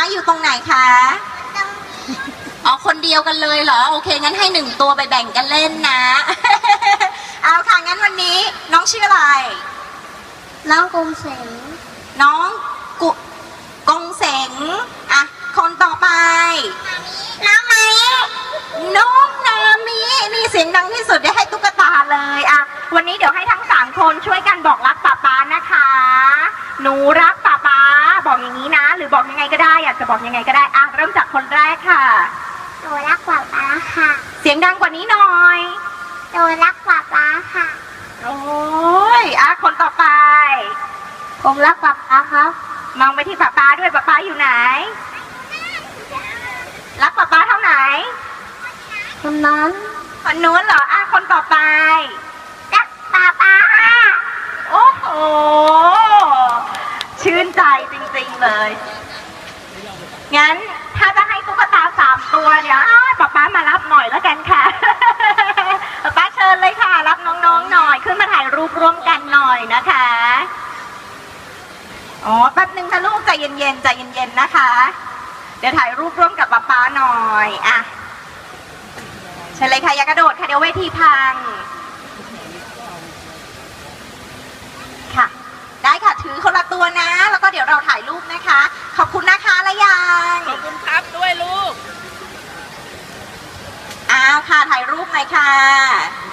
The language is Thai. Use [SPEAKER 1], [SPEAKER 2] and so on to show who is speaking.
[SPEAKER 1] อยู่ตรงไหนคะอ๋อคนเดียวกันเลยเหรอโอเคงั้นให้1 ตัวไปแบ่งกันเล่นนะ เอาค่ะงั้นวันนี้น้องชื่ออะไร
[SPEAKER 2] น้องกรุงเสง
[SPEAKER 1] น้องกงเสงอ่ะคนต่อไป
[SPEAKER 2] น้องไหม
[SPEAKER 1] น้องนามินี่เสียงดังที่สุดได้ให้ตุ๊กตาเลยอ่ะวันนี้เดี๋ยวให้ทั้ง3 คนช่วยกันบอกรักป๊าป๊านะคะหนูรักป๊าป๊าบอกอย่างนี้นะหรือบอกยังไงก็ได้อยากจะบอกยังไงก็ได้อ่ะเริ่มจากคนแรกค่ะ
[SPEAKER 2] หนูรักป๊าป๊าค่ะ
[SPEAKER 1] เสียงดังกว่านี้หน่อย
[SPEAKER 2] หนูรักป๊าป๊าค่ะ
[SPEAKER 1] โอ้ยอ่ะคนต่อไป
[SPEAKER 2] ผมรักป๊าป๊าครับ
[SPEAKER 1] มองไปที่ป๊าป๊าด้วยป๊าป๊าอยู่ไหนรักป๊าป๊าเท่าไหน
[SPEAKER 2] คนนั้น
[SPEAKER 1] คนนู้นเหรออ่ะคนต่อไป
[SPEAKER 2] รักป๊าป๊า
[SPEAKER 1] โอ้โหชื่นใจจริงๆเลยงั้นถ้าจะให้ตุ๊กตา3 ตัวเดี๋ยวป๊าป๊ามารับหน่อยแล้วกันค่ะ ป๊าป๊าเชิญเลยค่ะรับน้องๆหน่อยขึ้นมาถ่ายรูปร่วมกันหน่อยนะคะอ๋อแป๊บนึงนะลูกใจเย็นๆใจเย็นๆนะคะเดี๋ยวถ่ายรูปร่วมกับป๊าหน่อยอ่ะเชิญเลยค่ะอย่ากระโดดค่ะเดี๋ยวเวทีพังค่ะได้ค่ะถือคนละตัวนะแล้วก็เดี๋ยวเราถ่ายรูปนะคะขอบคุณนะคะและยัง
[SPEAKER 3] ขอบคุณครับด้วยลูก
[SPEAKER 1] อ้าวค่ะถ่ายรูปหน่อยค่ะ